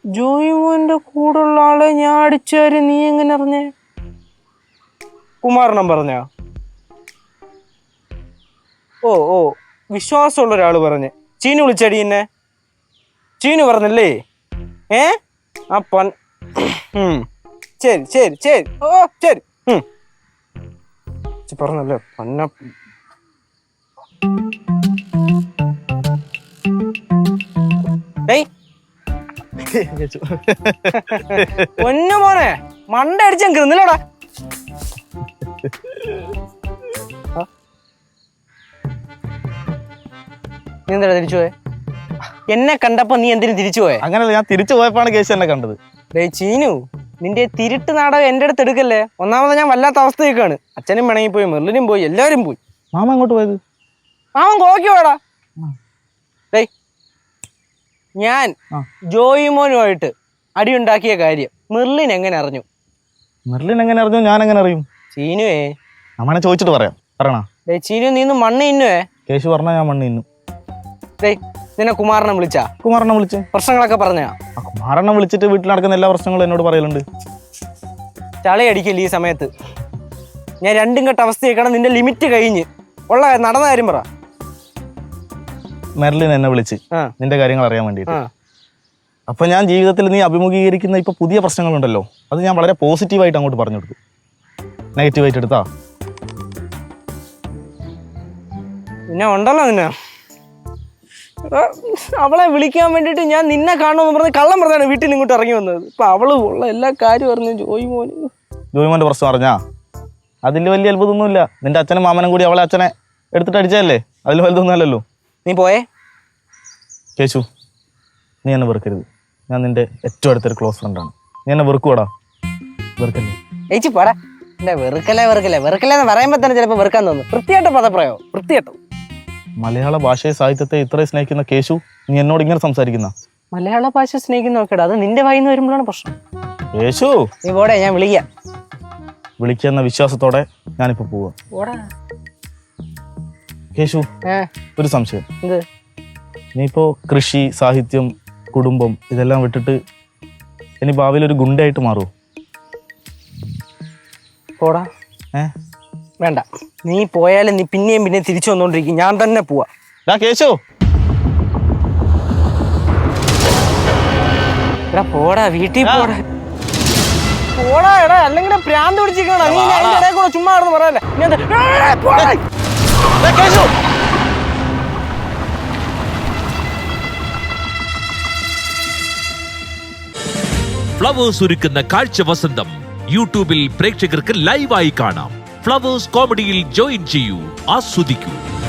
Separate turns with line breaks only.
ജോയിമോന്റെ കൂടുള്ള ആളെ ഞാൻ അടിച്ചാര്, നീ എങ്ങനെ അറിഞ്ഞേ? കുമാരനം പറഞ്ഞ? ഓ ഓ, വിശ്വാസമുള്ള ഒരാള് പറഞ്ഞ്. ചീനു വിളിച്ചടി എന്നെ? ചീനു പറഞ്ഞല്ലേ? ആ ശരി ശരി ശരി, ഓ ശരി. പറഞ്ഞല്ലേ പന്ന. പൊന്നു മോനെ, മണ്ട അടിച്ചാൻ കിന്നില്ലടാ. നീ എന്താ തിരിച്ചു പോയെ? എന്നെ കണ്ടപ്പോ നീ എന്തിനു തിരിച്ചു പോയെ?
അങ്ങനല്ല, ഞാൻ തിരിച്ചു പോയപ്പോഴാണ് കേസ് എന്നെ കണ്ടത്.
ചീനു, നിന്റെ തിരുട്ട് നാടകം എന്റെ അടുത്ത് എടുക്കല്ലേ. ഒന്നാമത് ഞാൻ വല്ലാത്ത അവസ്ഥയൊക്കെയാണ്. അച്ഛനും പിണങ്ങി പോയി, മെർലിനും പോയി, എല്ലാവരും പോയി.
മാമ എങ്ങോട്ട് പോയത്?
മാമൻ കോക്കി പോടാ. ഞാൻ ജോയിമോനുമായിട്ട് അടിയുണ്ടാക്കിയ കാര്യം മെർലിൻ എങ്ങനെ അറിഞ്ഞു?
മെർലിൻ എങ്ങനെ അറിഞ്ഞു? ഞാൻ എങ്ങനെ അറിയും?
ചീനുവേ,
അമ്മനെ ചോദിച്ചിട്ട് പറയാം. പറയണ
ചീനു, നീ മണ്ണ് ഇന്നുവേ.
കേശു പറഞ്ഞ ഞാൻ മണ്ണ് ഇന്നു.
നിന്നെ കുമാരനെ വിളിച്ചാ?
കുമാരനെ വിളിച്ചു.
പ്രശ്നങ്ങളൊക്കെ പറഞ്ഞാ?
കുമാരനെ വിളിച്ചിട്ട് വീട്ടിൽ നടക്കുന്ന എല്ലാ പ്രശ്നങ്ങളും എന്നോട് പറയലുണ്ട്.
ചളയടിക്കല്ലേ ഈ സമയത്ത്? ഞാൻ രണ്ടും കെട്ട അവസ്ഥയൊക്കെയാണ്. നിന്റെ ലിമിറ്റ് കഴിഞ്ഞ് ഉള്ള നടന്ന കാര്യം പറ.
മെർലിൻ എന്നെ വിളിച്ച് നിന്റെ കാര്യങ്ങൾ അറിയാൻ വേണ്ടിയിട്ട്. അപ്പൊ ഞാൻ ജീവിതത്തിൽ നീ അഭിമുഖീകരിക്കുന്ന ഇപ്പൊ പുതിയ പ്രശ്നങ്ങളുണ്ടല്ലോ, അത് ഞാൻ വളരെ പോസിറ്റീവായിട്ട് അങ്ങോട്ട് പറഞ്ഞു കൊടുത്തു. നെഗറ്റീവായിട്ട് എടുത്താ
പിന്നെ ഉണ്ടല്ലോ നിന്നെ. അവളെ വിളിക്കാൻ വേണ്ടിട്ട് ഞാൻ നിന്നെ കാണുമെന്ന് പറഞ്ഞ് കള്ളം പറഞ്ഞാണ് വീട്ടിൽ നിന്ന് ഇങ്ങോട്ട് ഇറങ്ങി വന്നത്. ഇപ്പൊ അവള് ഉള്ള എല്ലാ കാര്യം അറിഞ്ഞു.
ജോയിമോന്റെ പ്രശ്നം അറിഞ്ഞാ? അതിൽ വലിയ അത്ഭുതമൊന്നുമില്ല. നിന്റെ അച്ഛനും മാമനും കൂടി അവളെ അച്ഛനെ എടുത്തിട്ട് അടിച്ചതല്ലേ, അതിൽ വലുതൊന്നും അല്ലല്ലോ.
നീ പോയേ?
കേശു, നീ എന്നെ വെറുക്കരുത്. ഞാൻ നിന്റെ ഏറ്റവും അടുത്തൊരു ക്ലോസ് ഫ്രണ്ടാണ്. നീ എന്നെ വെറുക്കൂടാ? വെറുക്കല്ലേ?
ഏച്ചി പോടാ. എന്റെ വെറുക്കല്ലേ വെറുക്കല്ലേ വെറുക്കല്ലേ എന്ന് പറയുമ്പോ തന്നെ ചിലപ്പോ വെറുക്കാൻ തോന്നുന്നു. വൃത്തിയായിട്ട പദപ്രയോ, വൃത്തിയായിട്ടോ.
മലയാള ഭാഷയെ സാഹിത്യത്തെ ഇത്രയും സ്നേഹിക്കുന്ന കേശു, നീ എന്നോട് ഇങ്ങനെ സംസാരിക്കുന്ന?
മലയാള ഭാഷ സ്നേഹിക്കുന്ന നോക്കടാ, അത് നിന്റെ വായിന്ന് വരുമ്പോഴാണ് പ്രശ്നം.
കേശു,
നീ പോടെ, ഞാൻ വിളിക്കാം.
വിളിക്കുന്ന വിശ്വാസത്തോടെ ഞാനിപ്പോ പോവാ. കേശു, ഒരു സംശയം.
എന്ത്?
നീ ഇപ്പോ കൃഷി, സാഹിത്യം, കുടുംബം ഇതെല്ലാം വിട്ടിട്ട് ഇനി ഭാവിയിൽ ഒരു ഗുണ്ടയായിട്ട് മാറുമോ?
പോടാ. വേണ്ട, നീ പോയാലും നീ പിന്നെയും പിന്നെ തിരിച്ചു വന്നോണ്ടിരിക്കും. ഞാൻ തന്നെ പോവാ.
കേശു,
എടാ പോടാ, വീട്ടിൽ പോടാ. പോടാ എടാ, അല്ലെങ്കിൽ പ്രാന്ത് പിടിച്ചിരിക്കണ നീ. ഞാൻ ഇടയിൽ കൂടെ ചുമ്മാ ആണെന്ന് പറയല്ലേ.
ഫ്ലവേഴ്സ് ഒരുക്കുന്ന കാഴ്ച വസന്തം യൂട്യൂബിൽ പ്രേക്ഷകർക്ക് ലൈവായി കാണാം. ഫ്ലവേഴ്സ് കോമഡിയിൽ ജോയിൻ ചെയ്യൂ, ആസ്വദിക്കൂ.